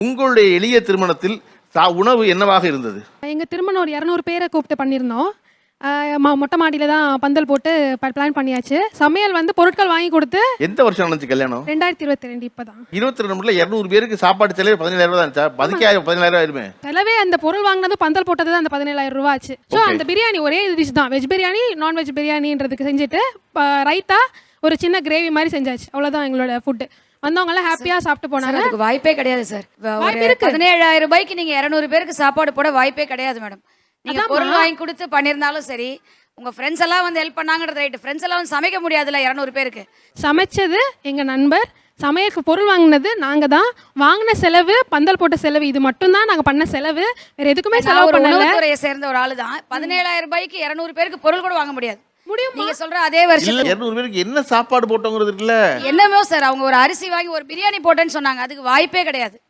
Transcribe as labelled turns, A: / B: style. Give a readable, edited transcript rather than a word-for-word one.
A: உங்களுடைய எளிய திருமணத்தில் உணவு என்னவாக இருந்தது?
B: எங்க திருமணம் ஒரு 200 பேரை கூப்பிட்டு பண்ணியிருந்தோம். மொட்டை மாடியில தான் பந்தல் போட்டு பிளான் பண்ணியாச்சு. சமையல் வந்து பொருட்கள் வாங்கி கொடுத்து.
A: எந்த வருஷம் நடந்துச்சு கல்யாணம்?
B: 2022 இப்பதான்.
A: 22 200 பேருக்கு சாப்பாடு செலவு 17,000 தான் இருந்துச்சா? அதுக்கே 17,000 ஆயிருமே.
B: செலவே அந்த பொருள் வாங்கினது பந்தல் போட்டது தான் அந்த 17,000 ரூபாய் ஆச்சு. ஸோ அந்த பிரியாணி ஒரே டிஷ் தான், வெஜ் பிரியாணி நான்வெஜ் பிரியாணின்றதுக்கு செஞ்சுட்டு ரைத்தா ஒரு சின்ன கிரேவி மாதிரி செஞ்சாச்சு. அவ்வளோதான் எங்களோட ஃபுட்டு. வந்தவங்க எல்லாம் ஹாப்பியா சாப்பிட்டு போனாங்க.
C: அதுக்கு வாய்ப்பே கிடையாது சார். 17,000 ரூபாய்க்கு நீங்க 200 பேருக்கு சாப்பாடு போட வாய்ப்பே கிடையாது மேடம். நீங்க பொருள் வாங்கி கொடுத்து பண்ணிருந்தாலும் சரி, உங்க ஃப்ரெண்ட்ஸ் எல்லாம் வந்து ஹெல்ப் பண்ணாங்கறது ரைட். ஃப்ரெண்ட்ஸ் எல்லாம் வந்து சமைக்க முடியாதுல்ல 200 பேருக்கு.
B: சமைச்சது எங்க நண்பர், சமையலுக்கு பொருள் வாங்கினது நாங்க தான். வாங்கின செலவு, பந்தல் போட்ட செலவு, இது மட்டும் தான் நாங்க பண்ண செலவு. வேற எதுக்குமே செலவு பண்ணல.
C: உணவுத்துறையை சேர்ந்த ஒரு ஆளு தான். 17,000 ரூபாய்க்கு 200 பேருக்கு பொருள் கூட வாங்க முடியாது.
B: முடியும்.
C: நீங்க சொல்ற அதே வருஷம்
A: 200 பேருக்கு என்ன சாப்பாடு போட்டோங்கிறது இருக்குல்ல.
C: என்னமோ சார், அவங்க ஒரு அரிசி வாங்கி ஒரு பிரியாணி போட்டேன்னு சொன்னாங்க. அதுக்கு வாய்ப்பே கிடையாது.